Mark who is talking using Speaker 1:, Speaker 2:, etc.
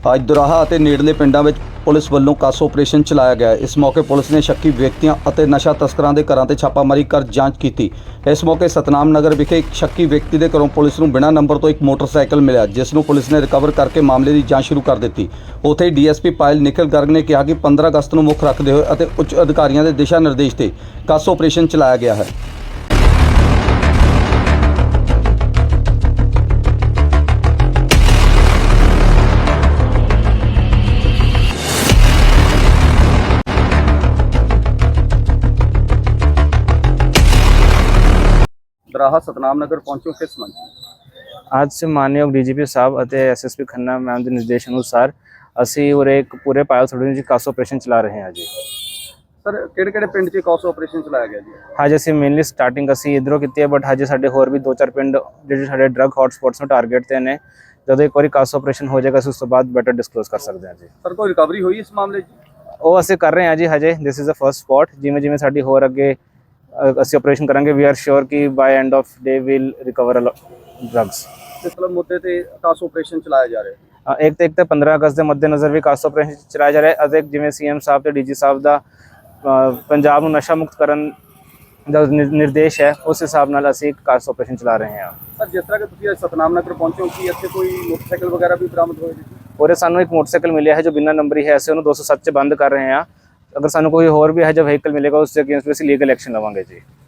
Speaker 1: ਅੱਜ ਦੁਰਾਹਾ ਅਤੇ ਨੇੜਲੇ ਪਿੰਡਾਂ ਵਿੱਚ ਪੁਲਿਸ ਵੱਲੋਂ ਕਾਸ ਆਪਰੇਸ਼ਨ ਚਲਾਇਆ ਗਿਆ। ਇਸ ਮੌਕੇ ਪੁਲਿਸ ਨੇ ਸ਼ੱਕੀ ਵਿਅਕਤੀਆਂ ਅਤੇ ਨਸ਼ਾ ਤਸਕਰਾਂ ਦੇ ਘਰਾਂ ਤੇ ਛਾਪਾਮਾਰੀ ਕਰ ਜਾਂਚ ਕੀਤੀ। ਇਸ ਮੌਕੇ ਸਤਨਾਮ ਨਗਰ ਵਿਖੇ ਇੱਕ ਸ਼ੱਕੀ ਵਿਅਕਤੀ ਦੇ ਘਰੋਂ ਪੁਲਿਸ ਨੂੰ ਬਿਨਾਂ ਨੰਬਰ ਤੋਂ ਇੱਕ ਮੋਟਰਸਾਈਕਲ ਮਿਲਿਆ, ਜਿਸ ਨੂੰ ਪੁਲਿਸ ਨੇ ਰਿਕਵਰ ਕਰਕੇ ਮਾਮਲੇ ਦੀ ਜਾਂਚ ਸ਼ੁਰੂ ਕਰ ਦਿੱਤੀ। ਉੱਥੇ ਹੀ ਡੀਐਸਪੀ ਪਾਇਲ ਨਿਖਿਲ ਗਰਗ ਨੇ ਕਿਹਾ ਕਿ 15 ਅਗਸਤ ਨੂੰ ਮੁੱਖ ਰੱਖਦੇ ਹੋਏ ਅਤੇ ਉੱਚ ਅਧਿਕਾਰੀਆਂ ਦੇ ਦਿਸ਼ਾ ਨਿਰਦੇਸ਼ ਤੇ ਕਾਸ ਆਪਰੇਸ਼ਨ ਚਲਾਇਆ ਗਿਆ ਹੈ। ਦਰਾਹਾ ਸਤਨਾਮ ਨਗਰ ਪਹੁੰਚੋ ਕਿਸ ਮੰਚ?
Speaker 2: आज से मानयोग डीजीपी साहब और एसएसपी खन्ना मैम के निर्देश अनुसार ਅਸੀਂ ਉਰੇ ਇੱਕ ਪੂਰੇ ਪਾਇਲ ਥੋੜੀ ਜਿਹੀ ਕਾਸ ਆਪਰੇਸ਼ਨ ਚਲਾ ਰਹੇ ਹਾਂ ਜੀ।
Speaker 1: ਸਰ ਕਿਹੜੇ ਪਿੰਡ 'ਚ ਕਾਸ ਆਪਰੇਸ਼ਨ ਚਲਾਇਆ ਗਿਆ ਜੀ?
Speaker 2: ਅੱਜ ਅਸੀਂ ਮੇਨਲੀ ਸਟਾਰਟਿੰਗ ਅਸੀਂ ਇਧਰੋਂ ਕੀਤੀ ਹੈ, ਬਟ ਹਜੇ ਸਾਡੇ ਹੋਰ ਵੀ 2-4 ਪਿੰਡ ਜਿਹੜੇ ਸਾਡੇ ਡਰੱਗ ਹੌਟਸਪੌਟਸ ਨੂੰ ਟਾਰਗੇਟ ਤੇ ਨੇ। ਜਦੋਂ ਇੱਕ ਵਾਰੀ ਕਾਸ ਆਪਰੇਸ਼ਨ ਹੋ ਜਾਏਗਾ ਉਸ ਤੋਂ ਬਾਅਦ ਬੈਟਰ ਡਿਸਕਲੋਜ਼ ਕਰ ਸਕਦੇ ਹਾਂ ਜੀ।
Speaker 1: ਸਰ ਕੋਈ ਰਿਕਵਰੀ ਹੋਈ ਇਸ ਮਾਮਲੇ 'ਚ?
Speaker 2: ਉਹ ਅਸੀਂ ਕਰ ਰਹੇ ਹਾਂ ਜੀ ਹਜੇ। This is a first spot. ਜਿਵੇਂ ਜਿਵੇਂ ਸਾਡੀ ਹੋਰ ਅੱਗੇ ਅਸੀਂ ਆਪਰੇਸ਼ਨ ਕਰਾਂਗੇ, ਵੀ ਆਰ ਸ਼ੋਰ ਕਿ by end of day will recover drugs.
Speaker 1: ਕਿਸ ਤਰ੍ਹਾਂ ਮੁੱਦੇ ਤੇ ਕਾਸ ਆਪਰੇਸ਼ਨ ਚਲਾਇਆ ਜਾ ਰਿਹਾ ਹੈ?
Speaker 2: ਇੱਕ ਤੇ 15 ਅਗਸਤ ਦੇ ਮੱਦੇਨਜ਼ਰ ਵੀ ਕਾਸ ਆਪਰੇਸ਼ਨ ਚਲਾਇਆ ਜਾ ਰਿਹਾ ਹੈ, ਅਤੇ ਜਿਵੇਂ ਸੀਐਮ ਸਾਹਿਬ ਤੇ ਡੀਜੀ ਸਾਹਿਬ ਦਾ ਪੰਜਾਬ ਨੂੰ ਨਸ਼ਾ ਮੁਕਤ ਕਰਨ ਦਾ ਨਿਰਦੇਸ਼ ਹੈ, ਉਸ ਹਿਸਾਬ ਨਾਲ ਅਸੀਂ ਇੱਕ ਕਾਸ ਆਪਰੇਸ਼ਨ ਚਲਾ ਰਹੇ ਹਾਂ।
Speaker 1: ਸਰ ਜਿਸ ਤਰ੍ਹਾਂ ਕਿ ਤੁਸੀਂ ਅੱਜ ਸਤਨਾਮ ਨਗਰ ਪਹੁੰਚੇ ਹੋ, ਕੀ ਇੱਥੇ ਕੋਈ ਮੋਟਰਸਾਈਕਲ ਵਗੈਰਾ ਵੀ ਬਰਾਮਦ ਹੋਏ ਜੀ?
Speaker 2: ਔਰ ਸਾਨੂੰ ਇੱਕ ਮੋਟਰਸਾਈਕਲ ਮਿਲਿਆ ਹੈ ਜੋ ਬਿਨਾਂ ਨੰਬਰੀ ਹੈ, ਅਸੀਂ ਉਹਨੂੰ 207 'ਚ ਬੰਦ ਕਰ ਰਹੇ ਹਾਂ। ਅਗਰ ਸਾਨੂੰ ਕੋਈ ਹੋਰ ਵੀ ਹੈ ਜੋ ਵਹੀਕਲ ਮਿਲੇਗਾ ਉਸ ਦੇ ਅਗੇਂਸਟ ਵੀ ਅਸੀਂ ਲੀਗਲ ਐਕਸ਼ਨ ਲਵਾਂਗੇ ਜੀ।